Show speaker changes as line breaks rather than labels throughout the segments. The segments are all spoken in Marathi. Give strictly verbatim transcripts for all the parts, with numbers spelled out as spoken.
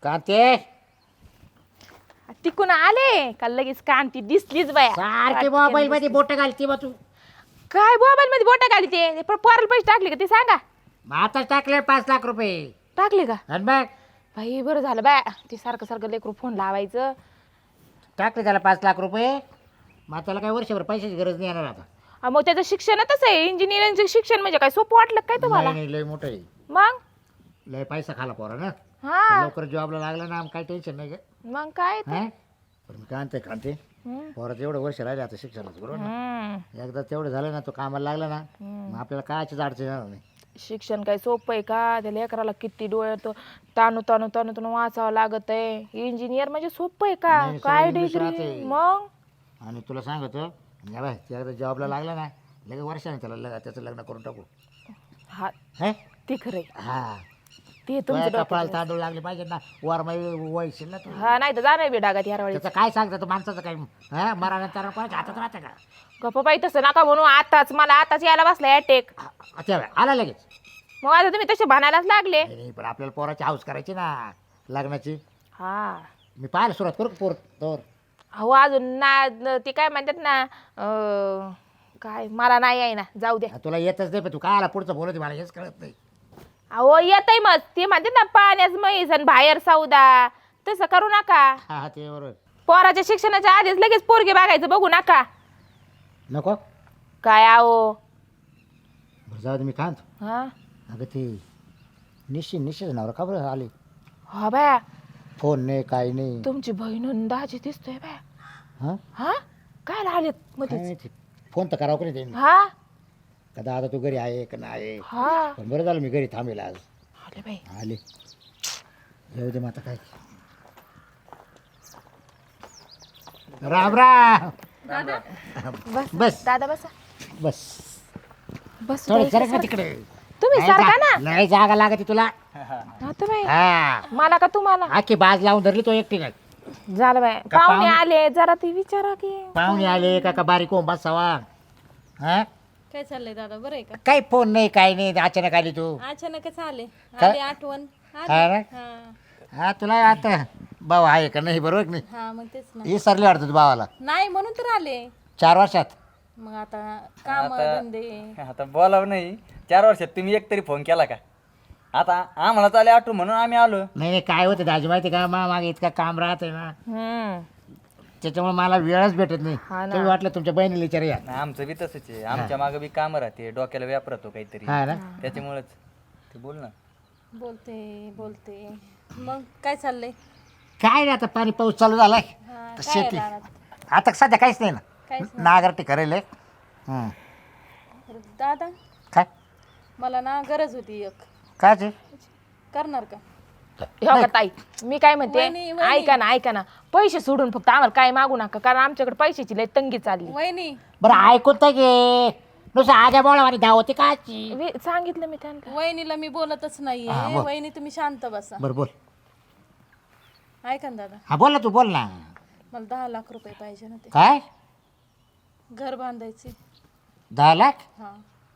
कांते
तिकून आले का लगेच कांती दिसलीच बाया
सारखी मोबाईल मध्ये बोट घालती बा तू.
काय मोबाईल मध्ये बोटा घाली ते पण पोराला पैसे टाकले का ते सांगा.
आताच टाकले पाच लाख रुपये.
टाकले का
आणि बघ
बाई बरं झालं बाय ते सारखं सारखं लेकरू फोन लावायचं.
टाकले त्याला पाच लाख रुपये. मग त्याला काही वर्षभर पैशाची गरज नाही येणार आता.
हा, मग त्याचं शिक्षणच आहे इंजिनिअरिंगचं शिक्षण म्हणजे काय सोपं वाटलं काय तुम्हाला.
नाही नाही, लय मोठं आहे.
मग
लय पैसा खाला पोरा ना.
हा
लवकर जॉबला लागला ना काही टेन्शन नाही ग.
मग काय ते?
हा? पण मी कांते कांते
हम्म.
पोराचं एवढं वर्ष राहिले आता शिक्षणाचं बरोबर ना.
हम्म.
एकदा तेवढं झालं ना तो कामाला लागला ना
हम्म.
मग आपल्याला कायचीच अडचण येणार नाही.
शिक्षण काय सोपं आहे का त्या लेकराला किती डोळे तो ताणू ताणू ताणू ताणू वाचावं लागत आहे. इंजिनियर म्हणजे सोपं आहे का
नाही,
काय
सगळं इंग्लिश
डिग्री
राहते.
मग
आणि तुला सांगतो या बाय ते एकदा जॉबला लागला ना लगेच वर्षाने त्याला लग त्याचं लग्न करून टाकू.
हा
हे
ते खरंय
हा
ते
तुझ्या
तुमचं
कपाळाला
डोक्यात
तांदूळ लागले पाहिजे ना वर वयशील ना तू.
आहे. हा नाही तर जाणार बी डागात ह्या वेळी
त्याचं काय सांगतं तू माणसाचं काय हा मरानंतर कोणाच्या हातात राहतं का.
गप्प बाई तसं नका म्हणून आताच मला आताच यायला बसला अटॅक.
आ- त्या वेळी आला लगेच.
मग आता तुम्ही तसे म्हणायलाच लागले.
नाही नाही, पण आपल्याला पोराची हाऊस करायची ना लग्नाची.
हा
मी पाहायला सुरुवात करू का पोर तोवर.
अहो अजून ना न- ते काय म्हणतात ना अं, काय मला नाही आहे ना जाऊ द्या.
तुला येतच नाही पण तू काय आला पुढचं बोलत मला हेच कळत नाही.
अहो येतय मग ते म्हणतात ना पाण्यास म्हैस आणि बाहेर सौदा तसं करू नका.
हा हा ते बरोबर.
पोराच्या शिक्षणाच्या आधीच लगेच पोरगे बघायचं बघू नका.
नको
काय आहो
बरं जाऊ दे मी काय म्हणतो.
हा
अगं ते निश्चित निश्चित नवरा का बरं आले.
हा बाया
फोन नाही काही नाही.
तुमची बहीण दाजी दिसतोय बाया.
हा
हा काय आलेत
काय
मध्येच
माहिती फोन तर करावं का नाही त्यांनी.
हा
का दादा तू घरी आहे का नाही.
हा
पण बरं झालं मी घरी थांबेल आज.
आले बाई
आले येऊ दे मग आता काय. राम राम.
बस
बस
दादा बसा
बस
बस
थोडं
बाई,
सरक ना
सर-
तिकडे.
तुम्ही
नाही
सारखा
जा-
ना
नाही जागा लागते तुला.
आता बाई
हा
मला का तुम्हाला
आखी बाज लावून धरली तो एकटी काय.
झालं बाई
का
पाहुणे
पाहुणे-
आले जरा ती विचारा की
पाहुणे आले का का बारीक होऊन बसावा. हा
काय चाललंय दादा बरं आहे का
काही फोन नाही काही नाही अचानक आली तू.
अचानकच आले
काय?
आली आठवण आली.
हा ना?
हा
हा तुला आता भाऊ आहे का नाही बरोबर की नाही.
हा मग तेच ना
हे सरले वाटतं तू भावाला
नाही म्हणून तर आले
चार वर्षात.
मग आता काम धंदे
आता बोलावं नाही चार वर्षात तुम्ही एक तरी फोन केला का. आता आम्हाला चाले आठवण म्हणून आम्ही आलो.
नाही नाही काय होतं दाजी माहिती का मा मागे इतका काम राहत आहे ना
हम्म
त्याच्यामुळे मला वेळच भेटत नाही.
हा ना.
तुम्ही वाटलं तुमच्या बहिणीला विचार या.
नाही, आमचं बी तसंच आहे. आमच्या मागं बी कामं राहते डोक्याला व्याप राहतो काहीतरी
हा ना
त्याच्यामुळेच ते बोल ना.
बोलते बोलते मग काय चाललंय
काय नाही आता पाणी पाऊस चालू झालाय
हा,
तर
काय
शेती
रानात?
आता सध्या काहीच नाही ना.
काहीच
नागरटी करेल आहे. हं.
दादा
काय
मला ना गरज होती एक
काय ते?
करणार का
हे बघा ताई मी काय म्हणते
वहिनी, वहिनी.
ऐका ना ऐका ना पैसे सोडून फक्त आम्हाला काय मागू नका कारण आमच्याकडे पैशाची लय तंगी चालली.
वहिनी
बरं ऐकून तर घे नुसतं आजा बोळा आणि धावते काची.
वे- सांगितलं मी त्यांना.
वहिनीला मी बोलतच
हा,
नाहीये
बोल.
वहिनी तुम्ही शांत बसा
बरं बोल.
ऐका ना दादा
हा बोल ना तू बोल ना.
मला दहा लाख रुपये पाहिजे ना ते
काय
घर बांधायचे
दहा लाख.
हा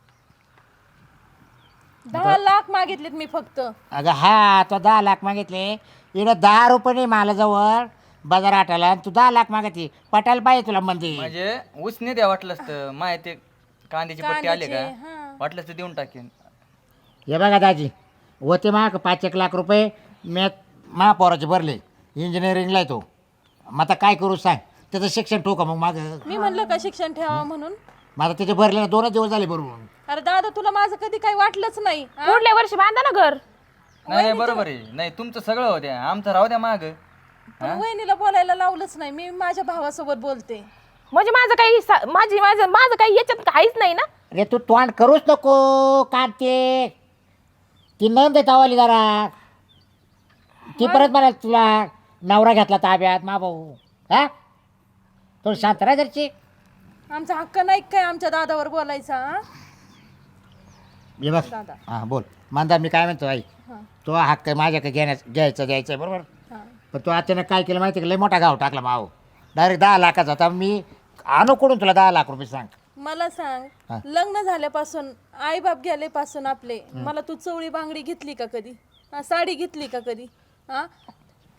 दहा लाख मागितलेत मी फक्त
अगं हा तो दहा लाख मागितले इकडं दहा रुपये नाही मला जवळ बाजार आटाला आणि तू दहा लाख मागते पटायला पाहिजे तुला मंदिर.
म्हणजे उसने द्या वाटलंच तर माय ते कांद्याची पट्टी आले
कांद्याचे,
का
हा.
वाटलंच तर देऊन टाकेन.
हे बघा दाजी होते माग पाच एक लाख रुपये मी महापौराचे भरले इंजिनिअरिंगला आहे तो. मग आता काय करू सांग त्याचं शिक्षण ठोका मग मागं.
मी म्हणलं का शिक्षण ठेवा म्हणून
मग आता त्याचे भरले ना दोनच दिवस झाले बरोबर.
अरे दादा तुला माझं कधी काही वाटलंच नाही हा?
पुढल्या वर्षी बांधा ना घर.
नाही नाही बरोबर आहे. नाही तुमचं सगळं होते आमचं राहू द्या माग.
पण वहिनीला बोलायला लावलंच नाही मी माझ्या भावासोबत बोलते
म्हणजे माझं काही सा- माझी माझं माझं काही याच्यात काहीच नाही ना.
अरे तू तोंड करूच नको कांते. ती नंद तावाली जरा ती परत म्हणाल तुला नवरा घेतला ताब्यात मा भाऊ. हा थोडी शांत राहा जरची.
आमचा हक्क नाही काय आमच्या दादावर बोलायचा हा?
हे बघ
दादा
हां बोल मानदा मी काय म्हणतो आई
हा
तो हक्क माझ्याकडे घेण्यास घ्यायचं द्यायचं आहे बरोबर.
हा
पण तो अचानक काय केलं माहिती का लय मोठा गाव टाकला माव डायरेक्ट दहा लाखाचा होता. मी आणू कडून तुला दहा लाख रुपये सांग.
मला
हा.
सांग लग्न झाल्यापासून आई बाप गेल्यापासून आपले मला तू चवळी बांगडी घेतली का कधी हा, साडी घेतली का कधी हा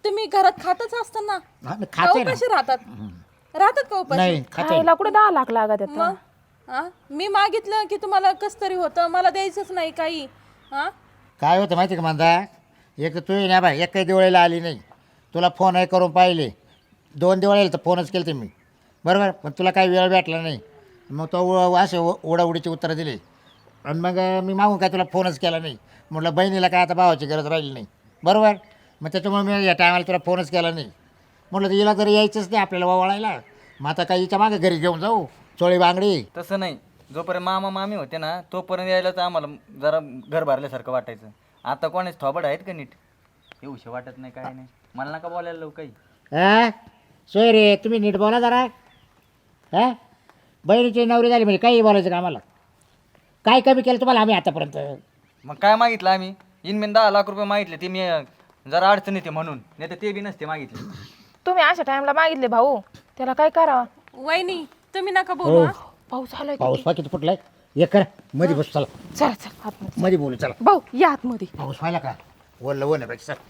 तुम्ही घरात खातच असताना
हा, मी
का
खाते ना.
उपाशी राहतात राहतात का उपाशी
नाही खाते
खायला कुठे दहा लाख लागत आहेत
मग हा मी मागितलं की तुम्हाला कस तरी होतं मला द्यायचंच नाही काही हा
काय होतं माहिती का म्हणता एक तर तू ना बाय एक काही दिवाळीला आली नाही तुला फोन आहे करून पाहिले दोन दिवाळीला तर फोनच केले ते मी बरोबर पण तुला काही वेळ भेटला नाही मग तो उ- असे उ- उडाउडीची उत्तरं दिली आणि मग मी मागून काय तुला फोनच केला नाही म्हटलं बहिणीला काय आता भावाची गरज राहिली नाही बरोबर मग त्याच्यामुळे मी या टायमाला तुला फोनच केला नाही म्हटलं तर हिला जर यायचंच नाही आपल्याला वळायला मग आता काही हिच्या मागं घरी घेऊन जाऊ चोळी बांगडी
तसं नाही जोपर्यंत मामा मामी होते ना तोपर्यंत यायला तर आम्हाला जरा घर भरल्यासारखं वाटायचं आता कोणीच थोबड आहेत का नीट येऊशे वाटत नाही काय नाही मला नका बोलायला लव काही
हां सोय रे तुम्ही नीट बोला जरा हां बहिणीची नवरी झाली म्हणजे काही बोलायचं का आम्हाला काय कमी केलं तुम्हाला आम्ही आतापर्यंत
मग काय मागितलं आम्ही इनमेन दहा लाख रुपये मागितले ते मी अं, जरा अडचण येते म्हणून नाही तर ते बी नसते मागितले
तुम्ही अशा टाइमला मागितले भाऊ त्याला काय करावं
वहिनी तुम्ही नका बोलू हा.
पाऊस आलाय
पाऊस पा किती फुटलाय एक करा मध्ये बस चला
चला चला आतमध्ये
मध्ये बोलू चला
भाऊ या आतमध्ये
पाऊस व्हायला का ओढलं ओढण्यापेक्षा चल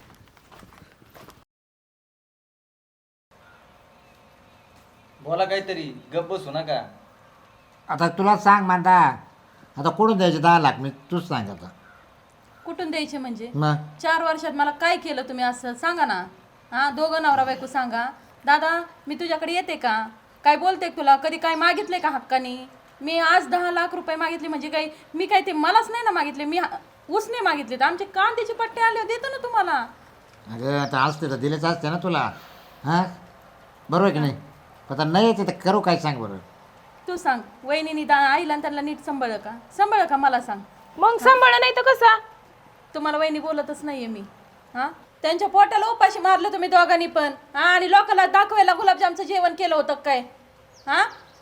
बोला काहीतरी गप बसू नका
आता तुला सांग मांदा आता कुठून द्यायचे दहा लाख मी तूच सांग आता
कुठून द्यायचे म्हणजे
मग
चार वर्षात मला काय केलं तुम्ही असं सांगा ना हा दोघं नवरा बायको सांगा दादा मी तुझ्याकडे येते का काय बोलते तुला कधी काय मागितले का हक्कानी मी आज दहा लाख रुपये मागितले म्हणजे काही मी काय ते मलाच नाही ना मागितले मी हा- उसने मागितले तर आमचे कांद्याचे पट्टे आले देतो ना तुम्हाला
अगं आता असते तर दिलेच असते ना तुला हां बरोबर आहे की नाही आता नाही येते तर करू काय सांग बरं
तू सांग वहिनीनी दा आईला आणि त्यांना नीट सांभाळ का सांभाळ का मला सांग
मग सांभाळ नाही तर कसा
तुम्हाला वहिनी बोलतच नाहीये मी हा त्यांच्या पोटाला उपाशी मारलं तुम्ही दोघांनी पण हा आणि लोकांना दाखवायला गुलाबजामचं जेवण केलं होतं काय हा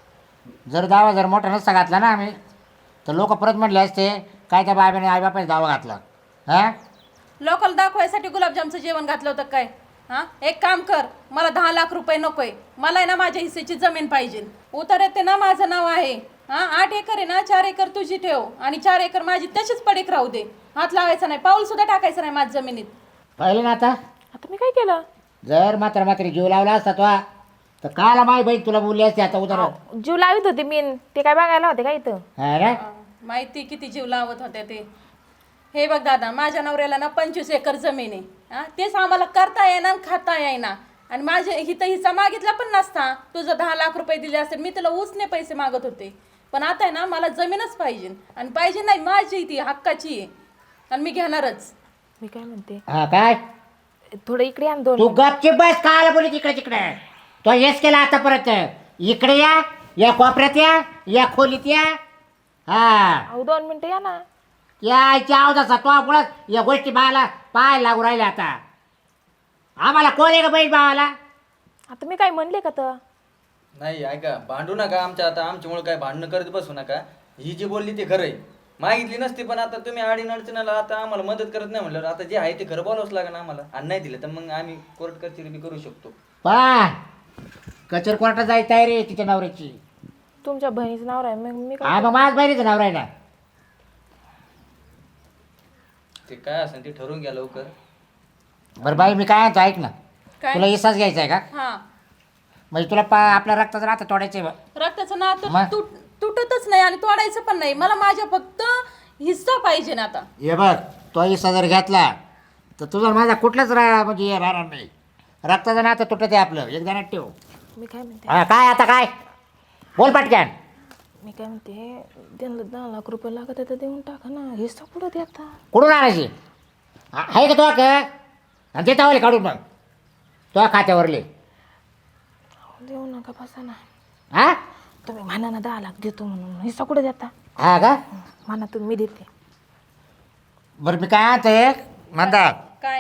जर दावा जर मोठा नसता घातला ना आम्ही तर लोक परत म्हटले असते काय त्या बाबाने आईबापाने दावा घातला हां
लोकांना दाखवायसाठी गुलाबजामचं जेवण घातलं होतं काय हा एक काम कर मला दहा लाख रुपये नकोय मला आहे ना माझ्या हिस्सेची जमीन पाहिजे उतर येते ना माझं नाव आहे हा आठ एकर आहे ना चार एकर तुझी ठेव आणि चार एकर माझी तशीच पडीक राहू दे हात लावायचा नाही पाऊल सुद्धा टाकायचं नाही माझ्या जमिनीत
पाहिलं ना आता
आता मी काय केलं
जर मात्र मात्र जीव लावला असता तो तर काला माय बहीण तुला बोलली असते आता उतर
जीव लावित होते मी ते काय बघायला होते का इथं
हा रे
अं, माहिती किती जीव लावत होते ते हे बघ दादा माझ्या नवऱ्याला ना पंचवीस एकर जमीन आहे हा तेच आम्हाला करता येईना आणि खाता येईना आणि माझे हिथं हिस्सा मागितला पण नसता तुझं दहा लाख रुपये दिले असते मी तुला उसने पैसे मागत होते पण आता आहे ना मला जमीनच पाहिजे आणि पाहिजे नाही माझी ती हक्काची आहे आणि मी घेणारच
मी काय म्हणते
हा काय
थोडं इकडे आण दोन
तू गपची बस काला बोली तिकडे तिकडे तो हेच केला आता परत इकडे या या कोपऱ्यात या या खोलीत या हा
अहो दोन मिनिटं या ना
यायच्या अवधासा तो मुळात या गोष्टी बाळाला पाय लागू राहिल्या आता आम्हाला कोण आहे का बहीण भावाला
आता मी काय म्हणले का तर
नाही ऐका भांडू नका आमच्या आता आमच्यामुळे काय भांडणं करत बसू नका ही जी बोलली ते खरं आहे मागितली नसती पण आता तुम्ही आडीन अडचणाला आता आम्हाला मदत करत नाही म्हणल्यावर आता जे आहे ते खरं बोलावंच लागेल आम्हाला आणि नाही दिलं तर मग आम्ही कोर्ट कचेरी बी करू शकतो
पा कचेर कोर्टात जायचं आहे रे तिच्या नवऱ्याची
तुमच्या बहिणीचं नाव आहे मग मी
हा
काय
मग माझ बहिणीचं नाव आहे ना
ते काय असेल ते ठरवून घ्या लवकर
बरं बाई मी काय म्हणतो ऐक ना
काय
तुला इसाच घ्यायचा आहे का
हा
म्हणजे तुला पा आपल्या रक्ताचं राहतं तोडायचं आहे
रक्ताचं नातं
मग?
तुट तुटतच नाही आणि तोडायचं पण नाही मला माझ्या फक्त हिस्सा पाहिजे ना आता
हे बघ तो इसा जर घेतला तर तुझा माझा कुठलाच रा म्हणजे हे राहणार नाही रक्ताचं नातं तुटत आहे आपलं एक जणात ठेव
मी काय म्हणते
हा काय आता काय बोल पटक्यान
मी काय म्हणते त्यांना दहा लाख रुपये लागत आहे तर देऊन टाका ना हिस्सा कुठं देता
कुठून आणायची हा- आहे का तो का आणि ते तावले काढून मग तो खात्यावरले
अहो, देऊ नका बसा ना
हा
तुम्ही म्हणा ना दहा लाख देतो म्हणून हिस्सा कुठं देता
हा का
म्हणा तुम्ही मी देते
बरं मी काय आणतोय म्हणता
काय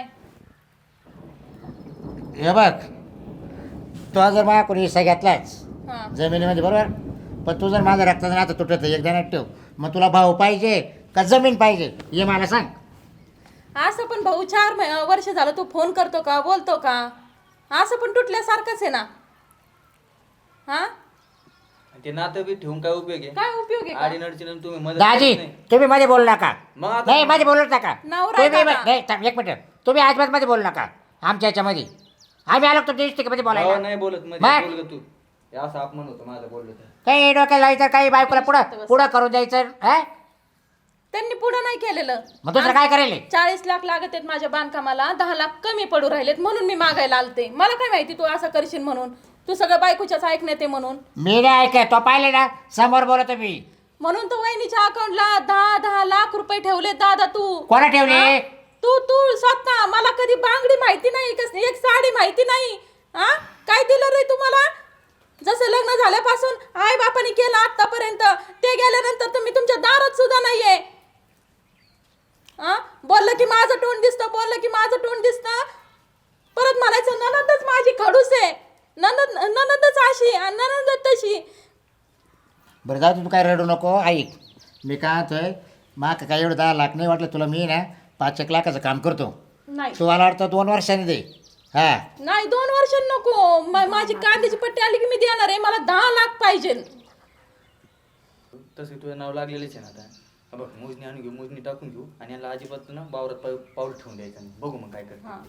हे बघ तो जर माझ्या कोणी हिस्सा घेतलाच
हा
जमिनीमध्ये बरोबर पण तू जर माझं रक्ताचं नातं तुटत एक जणात ठेव मग तुला भाऊ पाहिजे का जमीन पाहिजे हे मला सांग
असं पण भाऊ चार मै- वर्ष झालं तू फोन करतो का बोलतो का असं पण तुटल्यासारखंच आहे ना हा
आणि ते नातं बी ठेवून काय उपयोग आहे
काय उपयोग आहे का?
आडीन अडचण तुम्ही मदत
दाजी
करत नाही.
तुम्ही मध्ये बोलू नका
मग आता
नाही मध्ये बोलू नका
नवरा आहे
तुम्ही
दादा.
नाही थांब, एक मिनिट तुम्ही अजिबात मध्ये बोलू नका आमच्या याच्यामध्ये आम्ही आलो तुमच्या इष्टिकेमध्ये
गावात
बोलायला
नाही बोलत मध्ये
बाय.
बोल ग तू हे असं अपमान होतं माझं बोललो तर
काही डोक्याला लावायचं काही बायकोला पुढं पुढं करून द्यायचं हा
त्यांनी पुढं नाही केलेलं.
मग दुसरं काय करेल
चाळीस लाख लागत आहेत माझ्या बांधकामाला, दहा लाख कमी पडू राहिलेत म्हणून मी मागायला आलते. मला काय माहिती तू असं करशील म्हणून, तू सगळं बायकोच्याच ऐकण्यात आहे म्हणून.
मी नाही ऐकय तो पाहिले ना समोर बोलतो मी
म्हणून तर वहिनीच्या अकाउंटला दहा दहा लाख रुपये ठेवले दादा तू.
कोणा ठेवले
हा? तू तू स्वतः. मला कधी बांगडी माहिती नाही, कस एक साडी माहिती नाही. हा काय दिलं रे तुम्हाला? जसं लग्न झाल्यापासून आई बापाने केलं आतापर्यंत, ते गेल्यानंतर तुम्ही तुमच्या दारात सुद्धा नाहीये. हा बोललं की माझं तोंड दिसतं, बोललं की माझं तोंड दिसतं. परत म्हणायचं ननदच माझी खडूस आहे, ननद ननदच अशी आणि ननदच तशी.
बरं जाऊ तू काय रडू नको ऐक मी काय म्हणतोय माग काय एवढं दहा लाख नाही वाटलं तुला मी ना पाच एक लाखाचं काम करतो
नाही
तू मला वाटतं दोन वर्षांनी दे हा
नाही दोन वर्ष नको. मा- माझी कांद्याची पट्टी आली की मी देणार आहे. मला दहा लाख पाहिजे.
तसे तुझं नाव लागलेलेच आहे ना आता हा बघ मोजणी आणून घेऊ मोजणी टाकून घेऊ आणि याला अजिबात ना वावरात पाऊ पाऊल ठेवून द्यायचं नाही. बघू मग काय करतो
हा.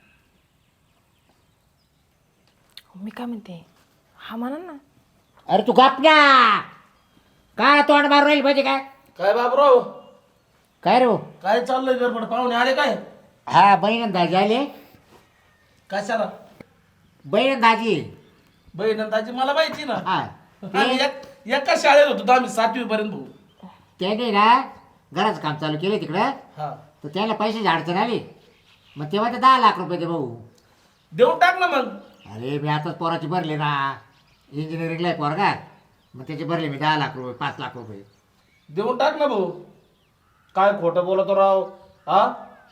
मी काय म्हणते हा म्हणा ना.
अरे तू गप ना काय तोंड मारून राहील पाहिजे काय
काय बाबराव
काय रे
काय चाललंय गडबड पाहुणे आले काय
हा बहीण दाजी आले
कशाला
बहीण दाजी
बहिणंदाची मला माहिती ना
हा
आम्ही एक- एका शाळेत होतो आम्ही सातवी पर्यंत भाऊ
त्याने ना घराचं काम चालू केलं तिकडं
हा
तर त्याला पैशाची अडचण आली मग तेव्हा ते दहा लाख रुपये दे भाऊ
देऊन टाक ना मग
अरे मी आताच पोराची भरले ना इंजिनिअरिंगला आहे पोरगा मग त्याचे भरले मी दहा लाख रुपये पाच लाख रुपये
देऊन टाक ना भाऊ काय खोटं बोलतो राव हा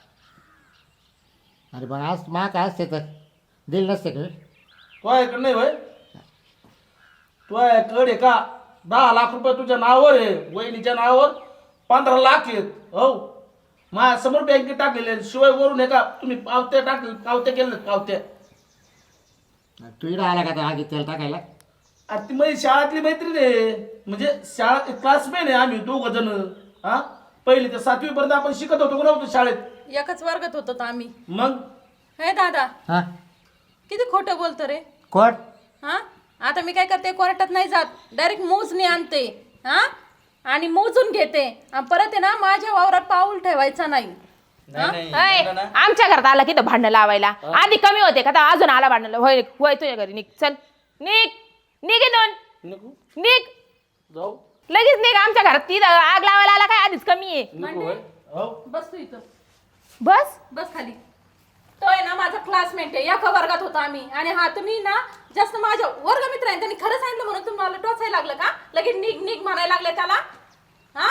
अरे पण आज मा काय असते तर दिल नसते का
तो आहे का नाही भाई तो आहे कडे का दहा लाख रुपये तुझ्या नावावर आहे वहिनीच्या नावावर पंधरा लाख आहेत हो माझ्या समोर बँकेत टाकलेले शिवाय वरून आहे का तुम्ही पावत्या टाकले पावत्या केल्या पावत्या
तू इकडं आला का त्या आगी तेल टाकायला
अरे ती माझी शाळातली मैत्रीण आहे म्हणजे शाळा क्लासमेट आहे आम्ही दोघ जण हा पहिली ते सातवी पर्यंत आपण शिकत होतो का नव्हतो शाळेत
एकच वर्गात होतो तर आम्ही.
मग
हे दादा
हां
किती खोटं बोलतो रे.
कोण
हा आता मी काय करते, कोर्टात नाही जात, डायरेक्ट मोजणी आणते. हा आणि मोजून घेते आणि परत आहे ना माझ्या वावरात पाऊल ठेवायचा नाही.
नाही नाही
अय,
बोला ना.
आमच्या घरात आला की तो भांडण लावायला आधी कमी होते का आता अजून आला भांडण होय होय तुझ्या घरी निघ चल निघ निघ इथून
नको
निघ
जाऊ
लगेच निघ आमच्या घरात ती आग लावायला आला काय आधीच कमी आहे
नको भाई हो
बस तू इथं,
बस
बस खाली. तो आहे ना माझा क्लासमेट आहे, एका वर्गात होता आम्ही. आणि हा तुम्ही ना जास्त माझ्या वर्गमित्र आहे, त्यांनी खरं सांगितलं म्हणून तुम्हाला टोचायला लागलं का? लगेच निघ निघ म्हणायला लागले त्याला. हा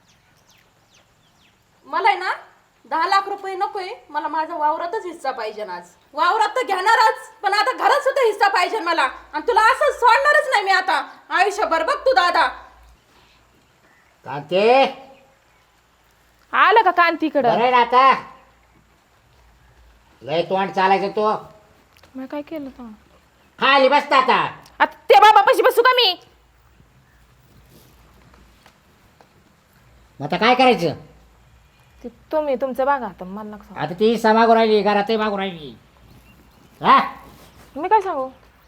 मला आहे ना दहा लाख रुपये नकोय, मला माझा वावरातच हिस्सा पाहिजे. आज वावरात तर घेणारच, पण आता घरात सुद्धा हिस्सा पाहिजे मला. आणि तुला असं सोडणारच नाही मी आता आयुष्यभर. बघ तू दादा.
कांते
आलं का कांतीकडं
बरं आहे ना आता लय तोंड चालायचं तो
मी काय केलं तर
खाली बसता आता
आता ते बाबा पशी बसू का मी
मग आता काय करायचं
ते तुम्ही तुमचं बघा आता मला नका सांगू.
आता ती हिस्सा मागून राहिली घरातही मागून राहिली हा
मी काय सांगू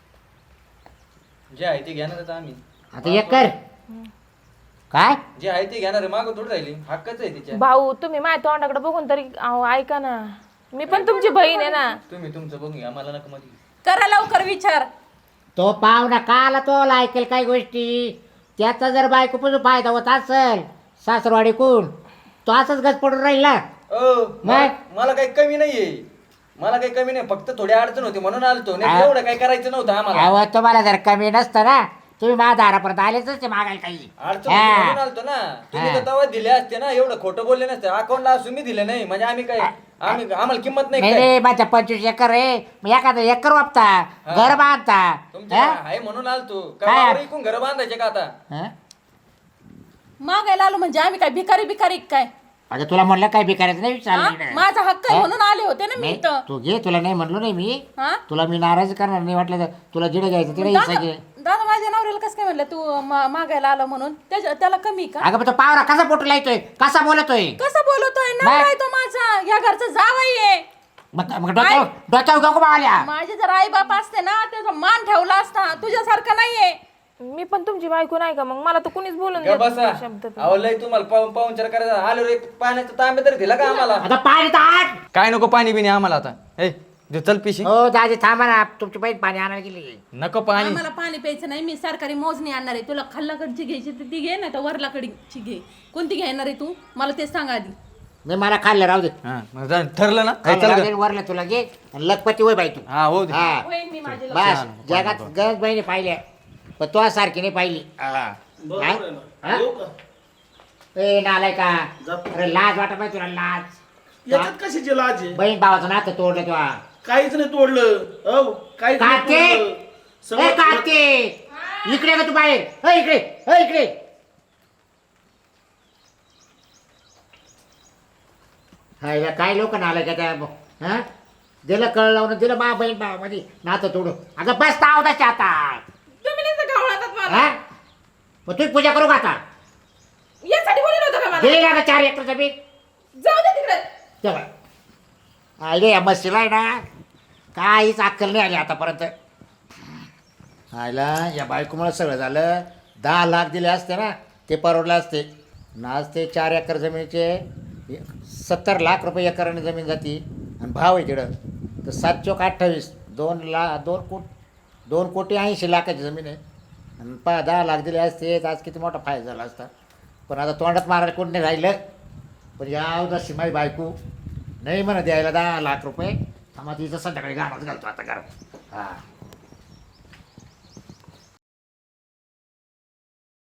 जे आहे ते घेणारच आम्ही
आता एक कर काय
जे आहे ते घेणार आहे मागं थोडी राहिली हक्कच आहे तिच्या
भाऊ तुम्ही माझ्या तोंडाकडे बघून तरी अहो, ऐका ना मी पण तुमची बहीण आहे ना.
तुम्ही तुमचं बघून घ्या मला नका मध्ये
करा लवकर विचार.
तो पाहुणा काला तो ऐकेल काही गोष्टी त्याचा जर बायकोपासून फायदा होत असेल सासरवाडी कोण तो असंच गच पडून राहील ना
ओ मला मला काही कमी नाहीये मला काही कमी नाही फक्त थोडी अडचण होती म्हणून आलतो नाही एवढं काही करायचं नव्हतं आम्हाला
अहो तुम्हाला जर कमी नसतं ना तुम्ही माझ्या दारापर्यंत आलेच ते मागायला काही
अडचण होती
हा.
म्हणून आलतो ना तुम्ही तर तेव्हा दिले असते ना एवढं खोटं बोलले नसते अकाउंटला असून मी दिले नाही म्हणजे आम्ही काय आम्ही आम्हाला किंमत नाही
नाही
काय
रे माझ्या पंचवीस एकर आहे मग एखादं एकर वापता घर बांधता
तुमच्या
हा?
आहे म्हणून आलतो
काय?
का वावर इकून घर बांधायचे का आता
हा?
मागायला आलो म्हणजे आम्ही काय भिकारी भिकारी काय?
अगं तुला म्हणलं काय भिकायचं नाही
हा?
विचारलं
माझा हक्क आहे
हा?
म्हणून आले होते ना मी
नाही
इथं.
तू घे तुला नाही म्हणलो नाही मी
हा?
तुला मी नाराज करणार नाही वाटलं तर तुला जिडे घ्यायचं तिडे हिस्सा घे
दादा दादा, माझ्या नवऱ्याला कसं काय म्हणलं तू मा- मागायला आलो म्हणून? त्याच्या- त्याला कमी का?
अगं पण तो पावरा कसा पोटू लायतोय कसा बोलतोय
कसं बोलतोय? नवरा आहे तो माझा, या घरचा जावई आहे.
मग मग डोक्यावर डोक्यावर गप्पा आल्या.
माझे जर आई बाप असते ना त्याचा मान ठेवला असता, तुझ्यासारखं नाहीये.
मी पण तुमची बायको नाही का? मग मला तर कुणीच बोलून
का
देत
बसा
नाही शब्द पण.
अहो लय तुम्हाला पाहून पाहुणचार करायचा आलो रे पाण्याचं तांबे तरी दिला का आम्हाला
आता पाणी ताट.
काय नको पाणी बिणी आम्हाला आता ए दे चल पिशी
हो दाजी थांबा ना, तुमची बहीण पाणी आणायला गेली.
नको पाणी
आम्हाला पाणी प्यायचं नाही, मी सरकारी मोजणी आणणार आहे. तुला खाल्लाकडची घ्यायची तर ती घे, नाही तर वरलाकडची घे. कोणती घेणार आहे तू? मला ते सांग आधी.
नाही मला खाल्लं राहू दे.
हा मग जा, ठरलं ना ए,
खाल्लं
चल
राहू
ग.
दे, वरला तुला घे आणि लखपती होय बाई तू.
हा हो दे.
हा
होय, मी माझे
बस जगात गरज बहिणी पाहिल्या पण तो सारखी नाही पाहिली. हा.
बरोबर आहे ना.
हा?
येऊ का?
ए नालाय का?
जातो.
अरे लाज वाटत पाहिजे तुला, लाज.
याच्यात कशाची लाज आहे?
बहीण भावाचं नातं तोडलं तेव्हा.
काहीच नाही तोडलं. हो काहीच नाही
कार्तिक
तोडलं.
ए
सगळं
कार्तिक इकडे का तू बाहेर? ए इकडे ए इकडे. हा याला काय लोक नालाय का त्या? हा दिलं कळ लावून दिलं मा बहीण भावामध्ये नातं तोडून. आता बस ताव आता.
तुम्ही नाही तर घावळातात मला.
हा मग तुम्ही पूजा करू का आता?
यासाठी बोललं होतं का मला?
दिली ना चार एकर जमीन
जाऊ दे तिकडे.
तेव्हा आले या मस्तीला आहे ना काहीच अक्कल नाही आली आतापर्यंत. आयला या बायकोमुळे सगळं झालं. दहा लाख दिले असते ना ते परवडले असते ना. आज ते चार एकर जमिनीचे सत्तर लाख रुपये एकराने जमीन जाती आणि भाव आहे तिकडं तर सात चौक अठ्ठावीस दोन ला दोन कोट दोन कोटी ऐंशी लाखाची जमीन आहे आणि पा दहा लाख दिले असते तर आज किती मोठा फायदा झाला असता. पण आता तोंडात मारायला कोण नाही राहिलं. पण या उदासी माझी बायको नाही म्हणा द्यायला दहा लाख रुपये आम्हाला तिचं संध्याकाळी गाण्यात घालतो आता घरात. हां